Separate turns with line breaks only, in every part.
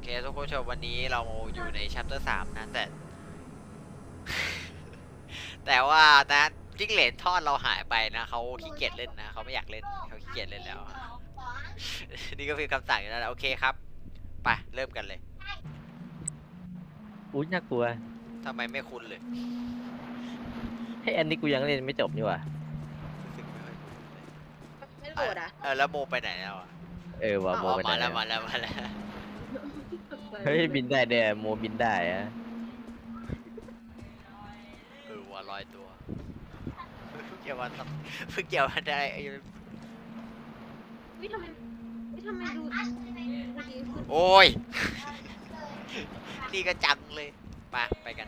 เคทุกผู้ชมวันนี้เราอยู่ใน chapter 3นะแต่ แต่ว่านะจิ้งเหลนทอดเราหายไปนะเขาขี้เกียจเล่นนะเขาไม่อยากเล่นเขาขี้เกียจเล่นแล้ว นี่ก็คือคำสั่งอยู่แล้วนะโอเคครับไปเริ่มกันเลย
อุ้ยน่ากลัว
ทำไมไม่คุ้นเลย
ให้อันนี้กูยังเล่นไม่จบนี่หว่า
รู้สึกไม่ค่อยคุ้นเลย
ไม่โหลดอ่ะ
แล้วโมไปไหนแล้วอ่ะ
ว่ะโมไปไหน
มาแล้ว
อะ
มาแล้วมาแล้ว
เฮ้ยบินได้เด้อโมบินได้อะ
ว่าลอยตัวเพิ่งเกี่ยววันเพิ่งเกี่ยววันได้
วิทำไมวิทำไมดูดีขึ้น
โอ้ย นี่ก็จังเลยไปกัน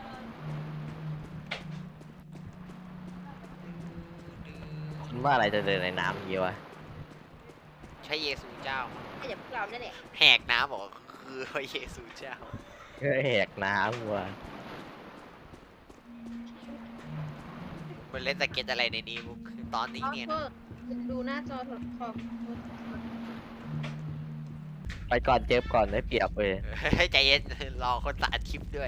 มันว่าอะไรจะเดินในน้ำอย่างงี้วะ
ใช่เยซูเจ้า
ไอ้เดี๋ยวพวกเราเนี่ยแหละ
แหกน้ำบอกคือพระเยซูเจ้า
เฮ้ยแหกน้ำว่ะ
มันเล่นสเก็ตอะไรในนี้มุกตอนนี้เนี่ยนะ
ดูหน้าจอถอดคอม
ไปก่อนเจ็บก่อนได้เปรียบเว้ย
ให้ใจเย็นรอคนตัดคลิปด้วย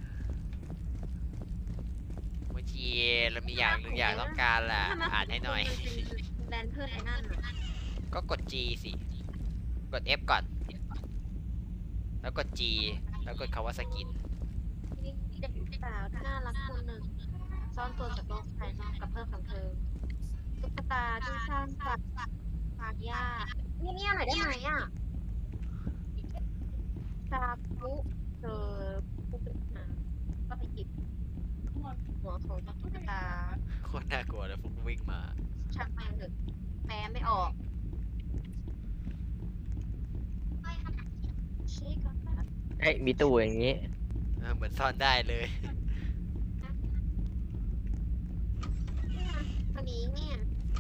บางทีเรามีอย่างหนึ่งอย่างต้องการล่ะอ่านให้หน่อย
แดนเพื่อนไอ้นั่น
ก็กด G สิกด F ก่อน แล้วกด G แล้วกดคำว่าสกิน
เด็กสาวที่น่ารักคนหนึ่งซ่อนตัวจากโลกภายนอกกับเพื่อนของเธอตุ๊กตาที่สร้างจากฟางหญ้าเนี่ยหน่อยได้ไหมอ่ะซาบุเธอผู้เป็นหาก็ไปหยิบหัวของตุ๊กตา
โคตรน่ากลัวเลยฟุกวิ่งมา
ช่างแม่งเถอะแปลไม่ออกเช็คก่อนนะ
เฮ้ยมีตู้อย่างงี้
เหมือนซ่อนได้เลย
อันนี้เนี่ย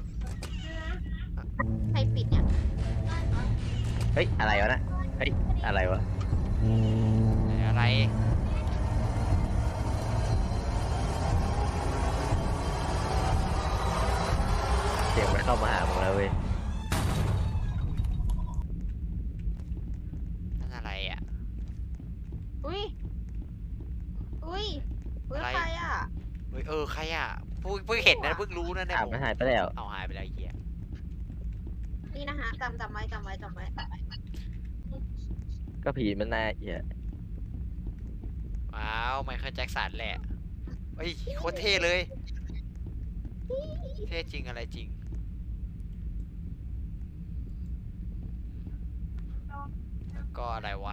ใครปิดเนี่ย
เฮ้ยอะไรวะนะเฮ้ยอะไรวะ
อะไร
เสียงมันเข้ามาหามึงแล้วเว้ย
นั่นอะไรอ่ะ
อุ้ยอุ้ย
อะไร
ใครอ่ะ
เฮ้ยใครอ่ะเพิ่งเห็นนะเพิ่งรู้นะเนี่ย
ถามมันหายไปแล้ว
เอาหายไปแล้วไอ้เหี้ย
นี่นะคะจำไว้
ก็ผีมันน่าเหี้ย
ว้าวไมเคิลแจ็คสันแหละเฮ้ยโคตรเท่เลย เท่จริงอะไรจริง แล้วก็อะไรวะ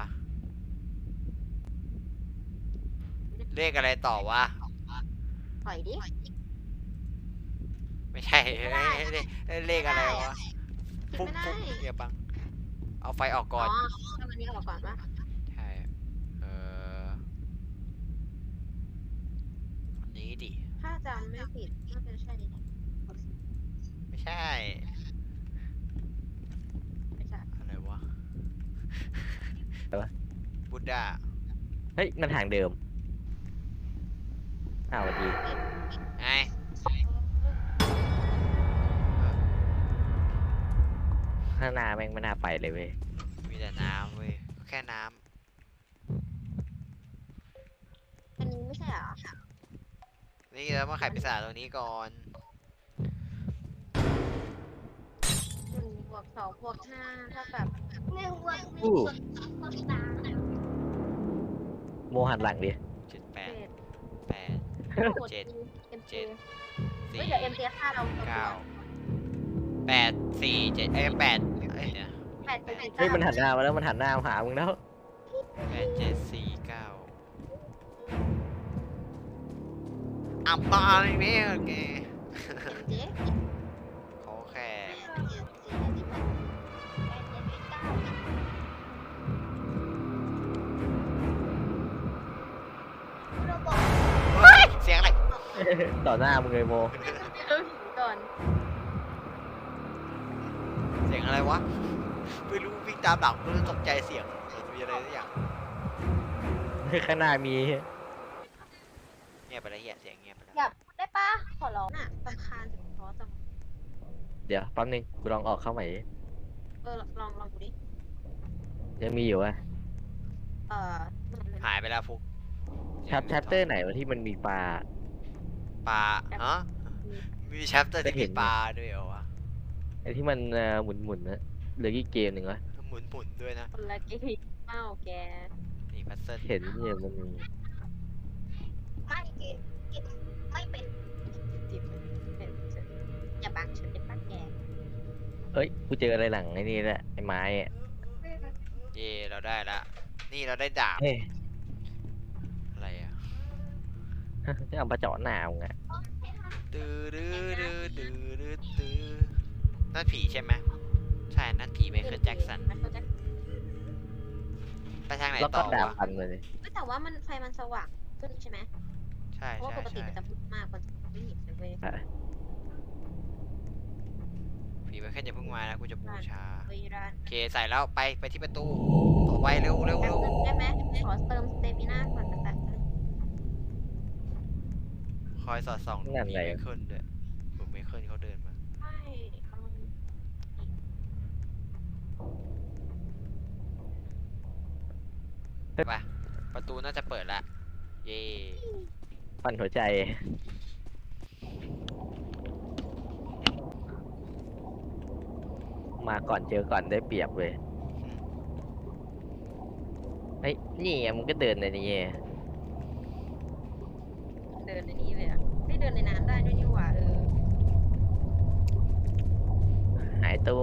เลขอะไรต่อวะ
ปล่อยดิ
ไม่ใช่เลขอะไรวะ
คิด
ปุ๊บ
ไม่ได้
ปุ๊บเดี๋ยวบัง เอาไฟออก
อ๋
ก่
อ
อน
ทำอันนี้ออกก่อนปะ
ใช่อันนี้ดิ
ถ้าจำไม่ผิดน่าจะใช่นี่แหละ
ไม่ใช่
ไม่ใช่
อะไรวะ
อะไรวะ
บุดดา
เฮ้ยมันทางเดิมอ้าวสวัสดี
ไง
ข้างหน้าแม่งไม่น่าไปเลยเว้ย
มีแต่น้ำเว้ย แค่น้
อันนี้ไม่ใช่เหรอ
ำ นี่เรามาไขปีศาจตรงนี้ก่อน
1+2+5เท่ากับ
อู้โมหันหลังดิ
เจ็ดแปด
เจ็ด
แปด
กด
เจ็ด
เอ็ม
เจ็
เจ
ด
เฮ้
สี่
ยเดี๋ยวเอ็มเจฆ่าเรา
เก้าแปดสี่เจ็ดแปดเนี่ย
8
เฮ้ยมันหันหน้ามาแล้วมันหันหน้ามาหามึงแล้ว
แปดเจ็ดสี่เก้าอับตาอะไรเนี่ยโอเค
เอ็มเจ
เขาแค่เฮ้ยเสียงอะไร
ต่อหน้ามึงเลยโม
เริ่มหิวก่อน
เสียงอะไรวะ ไม่รู้วิ่งตามหลังก็เลยตกใจเสียงเหมือนมีอะไรสักอย่าง
ข้างหน้ามี
เงียบไปแล้วเฮียเสียงเงียบไปแล้ว
อยากได้ปะขอร้องอ่ะรำคาญถึงท้อจัง
เดี๋ยวแป๊บนึงกูลองออกเข้าใหม่ดิ
ลองดูดิ
ยังมีอยู่อะ
เอ่อ
หายไปแล้วฟุก
ชัปเตอร์ไหนวะที่มันมีปลา
ปลาฮะมีแชปเตอร์ที่
ได้เห็
มี
น
ปลาด้วยเหรอวะ
ไอ้ที่มันหมุนนะเหลือกี่เกมหนึ่งวะ
หมุนด้วยนะ
คนละเกมเมาแก
นี่พัซเซิล
เห็นเนี่ยมันมี
ไม่กินไม่เป็นจิบเป็นอย่าบังฉันเป็นป้าแก
เอ้ยกูเจออะไรหลังไอ้นี่แหละไอ้ไม้อะ
เย่เราได้ละนี่เราได้ดาบ
เฮ้ย
อะไรอ่ะ
จะเอามาเจาะหนาวไง
ตื้อดื้อดื้อดื้อดื้อตื้อนั่นผีใช่ไหมใช่นั่นผีไมเคิลแจ็คสัน
ไมเคิลแจ็ค
ไปทางไหน
แล้ว
ต่
ก็
อ
ดาบ
วะ
พันเลย
แต่ว่ามันไฟมันสว่างขึ้นใช่ไหม
ใช่
เพราะว่า
ใช่
ปกติ
ใช่
มันจะมืดมากกว่าไม่เห็นเลยเว้ย
ผีไมเคิลอย่าเพิ่งมานะกูจะบูชา
เวลา
โอเคใส่แล้วไปที่ประตูต่อไปเร็วเร็ว
แป๊
เร็
บ
ว
นึงได้ไหมขอเติมสเตมิน่าก่อนแต่
คอยสอดส่องดู
นั่น
ผี
ไง
ไมเคิลด้วยดูไมเคิลเขาเดินมา
ไม่เอา
ไปประตูน่าจะเปิดละเย่
ปั่นหัวใจ มาก่อนเจอก่อนได้เปรียบเลยเฮ้ยนี่ไงมันก็เดินในนี้ไง
เดินในนี้เลยอ่ะไม่เดินในน้ำได้ด้วยนี่หว่า
หายตัว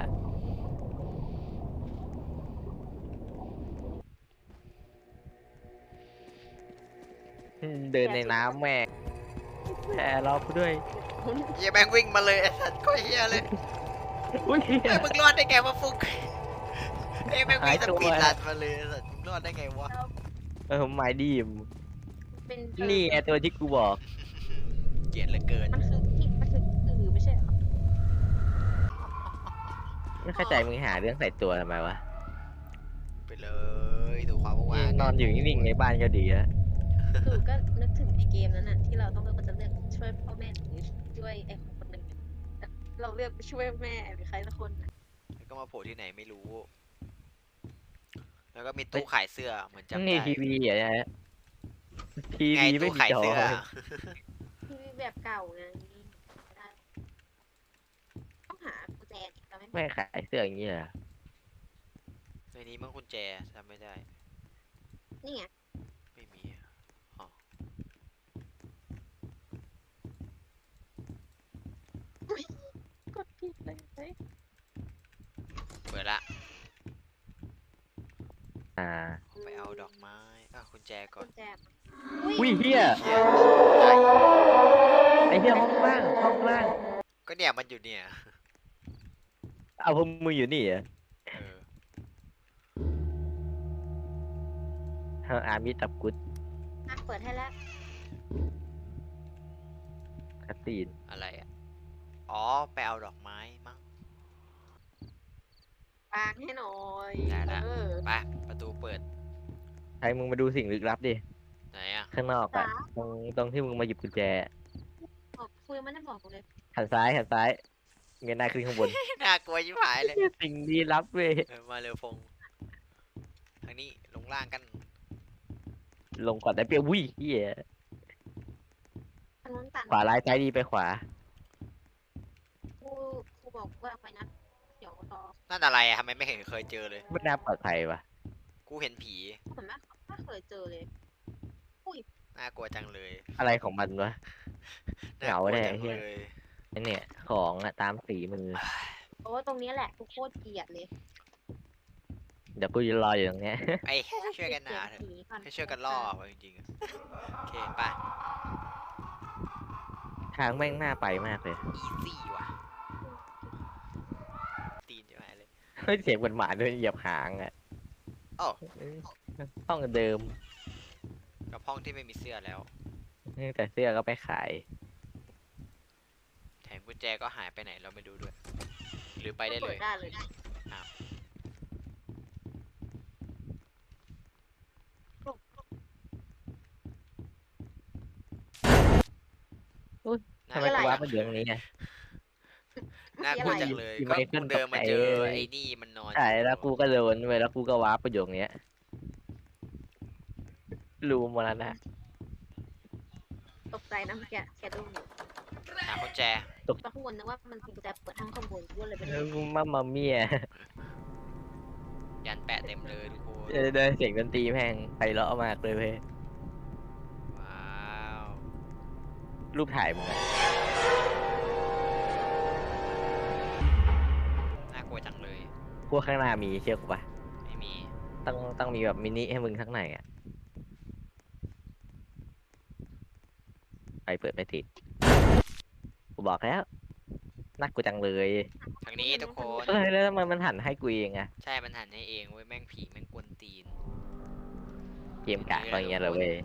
เดินในน้ำแม่งแพ้รอกูด้วย
เฮียแม่งวิ่งมาเลยไอ้สัตว์ก็เฮียเลย
อุ้ย
เฮ้ยมึงรอดได้ไงวะฟุกเอ้ยแม่งวิ่งสปีดรันมาเลยไอ้สัตว์มึงรอดได้ไงวะ
ไม้ดีม
เป็น
นี่ไงตัวที่กูบอก
เกลียดเหลือเกิน
มันคือไม่ใช่เหรอ
ไม่เข้าใจมึงหาเรื่องใส่ตัวทำไมวะ
ไปเลยดูความว่าง
นอนอยู่นิ่งๆในบ้านก็ดีแล้ว
คือก็นึกถึงในเกมนั้นน่ะที่เราต้องเลือกว่าจะเลือกช่วยพ่อแม่หรือช่วยไอ้คนหนึ่งแต่เราเลือกไปช่วยแม่หรือใครสักคนน่ะ
แล้วก็มาโผล่ที่ไหนไม่รู้ แล้วก็มีตู้ขายเสื้อเหมือนจำ
นี่
ได้
ทีวีเหรอเนี่ยที
ไง
วีไม่
ตู้
มี
ขาย
จอ
เสื้อ
ทีวีแบบเก่าไงได้ต้องหากุญแจอีกแล้ว
ไม่ขายเสื้ออย่างเงี้ยเหรอ
ในนี้มันกุญแจจำไม่ได้
นี่ไง
ไม่มีอะอ๋อ
กดผิดเลยเฮ้ย
เปิดละ
อ่า
ไปเอาดอกไม้กุญแจก่อ
กุ
น
ญแจ
อุ้ยเฮีย
เชี่ยตกใจ
ไอ้เฮียห้องล่างห้องล่าง
ก็เนี่ยมันอยู่เนี่ย
เอาพวกมึงอยู่นี่เหรอ
เออ
อามิตับกุด
อ่ะเปิดให้แล้ว
คัตตีน
อะไรอ่ะ อ๋อ ไปเอาดอกไม้มั้ง
วางให้หน่อย
ได้ละ
เออ
ไปประตูเปิด
ใครมึงมาดูสิ่งลึกลับดิ
ไหนอ่ะ
ข้างนอกอะตรงที่มึงมาหยิบกุญแจ
บอกคุยไม่ได้บอกกูเลย
หันซ้ายเงยหน้าขึ้นข้างบน
น่ากลัวชิบหายเลย
สิ่งลี้ลับเว้ย
มาเร็วฟงทางนี้ลงล่างกัน
ลงก่อนได้เปรียบวิ่งเฮีย
ทางนู้นตัน
ขวาร้ายซ้ายดีไปขวา
ครูบอกว่าไปนะเดี๋ยวรอ
นั่นอะไรอะทำไมไม่เห็นเคยเจอเลย
ไม่น่าปลอดภัยว่ะ
กูเห็นผี
เหมือนไม่เคยเจอเลย
น่ากลัวจังเลย
อะไรของมันวะ เหงา
น่กลัว
แน่
จัง
เหี้ย
เลย
ไอเนี่ยของอะตามสีมือ
โอ้ตรงนี้แหละกูโคตรเกลียดเลย
เดี๋ยวกูจะรออยู่ตรงเนี้ย
ไอ้ช่วยกันหนาเถอะให้ช่วยกันล่อเอาจริงๆอะโอเคไป
ทางแม่งน่าไปมากเลย
อีซี่ว่ะตีนจะหายเลย
เฮ้ยเสียงเหมือนหมาเดินเหยียบหางอะ
อ้าว
ห้องเดิม
กับห้องที่ไม่มีเสื้อแล้ว
แต่เสื้อก็ไปขาย
แถมกุญแจก็หายไปไหนเราไม่ดูด้วย หรือไปได้เล
เปิ
ย
ดได้เลย
ทำไมกูว่ามันอยู่ตรงนี้ไง
น่ากลัวจังเลย
ที่
ก็
ไม่ขึ้
กู
น
เดินมาเจอ
ตกใจ
ไอ้นี่มันนอน
ใช่แล้วกูก็โดนเว้ยแล้วกูก็ว้าร์ปไปอยู่ตรงเนี้ยรูมรณะ
ตกใจนะเมื่อกี้แกดูอยู่
หากุญแจ
ตกข้างบนนึกว่ามันเป็นกุญแจเปิดห้องข้างบนก็เลยไปเลย
มัมมาเมีย
ยันแปะเต็มเลยทุกคน
เดินเสียงดนตรีแม่งไพเราะมากเลยเว้ย
ว้าว
รูปถ่ายมึงอะ
น่ากลัวจังเลย
พวกข้างหน้ามีเชื่อกูปะ
ไม่มี
ต้องมีแบบมินิให้มึงข้างในอ่ะไปเปิดไม่ติดกูบอกแล้วน่ากลัวจังเลย
ทางนี้ทุกคน
แล้วทำไมมันหันให้กูเองอะ
ใช่ มันหันให้เองเว้ย แม่งผีแม่งกวนตีน
เกมกะก็อย่างเงี้ยเลยเว้ย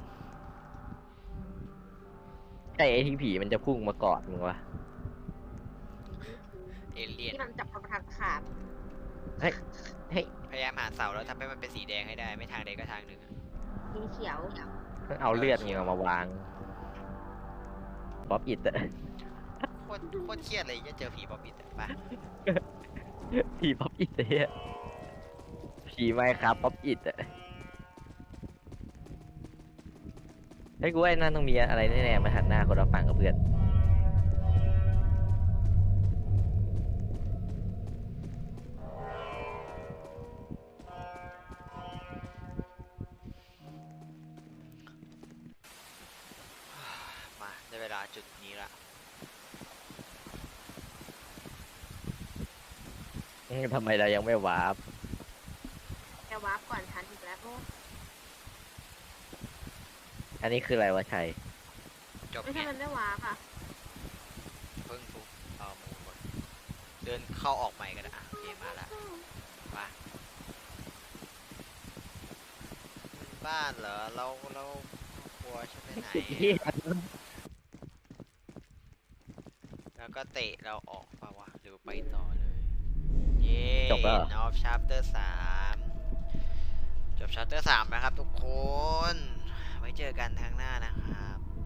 ใช่ไอ้ที่ผีมันจะพุ่งมากอดมึงวะ
เอเลี่ยน
ที่มันจับกระทางขาด
เฮ้ย
พยายามหาเสาแล้วทำให้มันเป็นสีแดงให้ได้ ไม่ทางใดก็ทางหนึ่งอะ
สีเขียว
เอาเลือดมึงเอามาวางป๊อปอิดอะ
โคตรเครียดเลยจะเจอผีป๊อปอิดอะไป
ผีป๊อปอิดเฮียผีไมค์ครับป๊อปอิดอะไอ้ยกูว่าไอ้นั่นต้องมีอะไรแน่ๆมาหันหน้าคนเราฟังกับเพื่อน
มาได้เวลาจุดนี้ละ
ทำไมเรายังไม่วาร์ป
แกวาร์ปก่อนฉันอีกแล้วโอ้
อันนี้คืออะไรวะชัย
จบ
ไม่ใช่
เนี่ย
มันไม่วาร์ปอ่ะ
เพิ่งถูกเอาหมูก่อนเดินเข้าออกใหม่กันนะอ่ะโอเคมาละมาบ้านเหรอ เรากลัวใช่ไหมไหน แล้วก็เตะเราออกเปล่าวะหรือไปต่อเลย เย้
จบแล้วเหรอ
ออฟชาร์เตอร์3จบชาร์เตอร์3นะครับทุกคน ไว้เจอกันทางหน้านะครับ